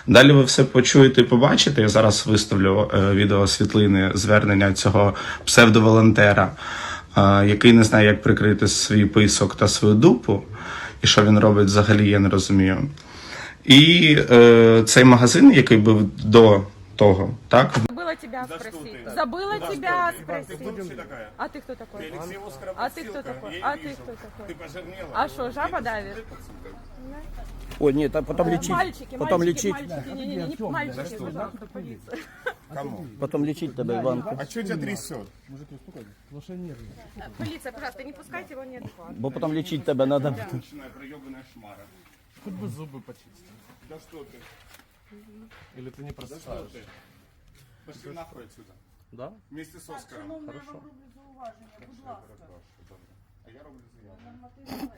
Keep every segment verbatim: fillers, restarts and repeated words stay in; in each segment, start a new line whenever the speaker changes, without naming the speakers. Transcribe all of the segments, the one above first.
Далі ви все почуєте і побачите. Я зараз виставлю е, відео світлини звернення цього псевдоволонтера, е, який не знає, як прикрити свій писок та свою дупу. І що він робить взагалі, я не розумію. І е, цей магазин, який був до того, так?
Забыла тебя спросить. Забыла тебя спросить. А ты кто такой? А ты кто такой? А ты кто такой? А что, жаба давит?
Ой, нет, а потом лечить.
Мальчики,
потом
мальчики,
лечить.
мальчики, не, не, не, не мальчики, пожалуйста, полиция.
Кому?
Потом лечить тебя, Иванку.
А что тебя трясет?
Полиция, пожалуйста, не пускайте его неадекватно.
Бо потом лечить тебя надо.
Хоть бы зубы почистить.
Да что ты?
Или ты не
Да что
просыпаешь?
ты? Пошли нахуй отсюда.
Да?
Вместе с Оскаром.
Хорошо.
А я роблю заяву.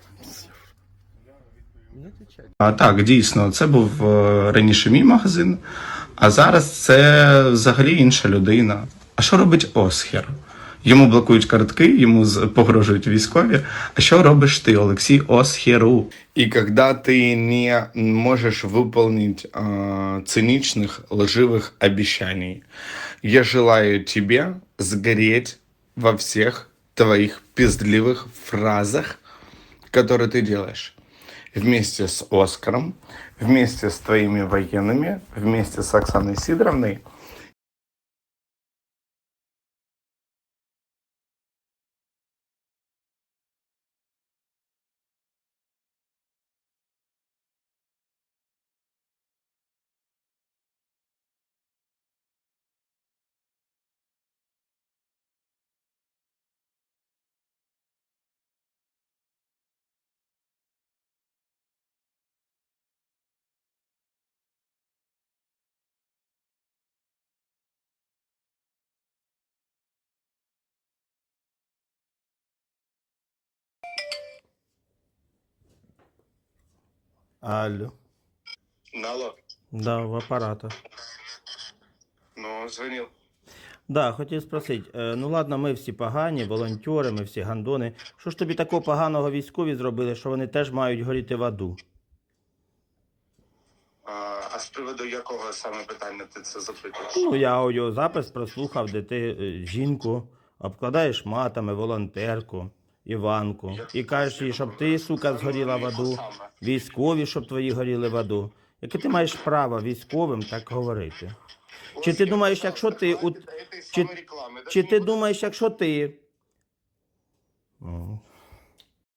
Не отвечай.
А, так, дійсно, це був е, раніше мій магазин, а зараз це взагалі інша людина. А що робить Осхер? Йому блокують картки, йому з- погрожують військові. А що робиш ти, Олексій Осхеру? І коли ти не можеш виконати е, цинічних, лживих обіцянь, я желаю тебе згореть во всех твоих пиздливых фразах, которые ты делаешь. Вместе с Оскаром, вместе с твоими военными, вместе с Оксаной Сидоровной.
Алло.
Алло,
Да, в апарата.
ну, звонил.
Да, хотів спросити, е, ну ладно, ми всі погані, волонтери, ми всі гандони. Що ж тобі такого поганого військові зробили, що вони теж мають горіти в аду?
А, а з приводу якого саме питання ти це запитуєш?
Ну, я аудіозапис прослухав, де ти е, жінку обкладаєш матами, волонтерку, Іванку, і кажеш їй, щоб ти, сука, згоріла в аду, військові, щоб твої горіли в аду. Яке ти маєш право військовим так говорити? Чи ти думаєш, якщо ти... у- Чи, чи ти думаєш, якщо ти... О,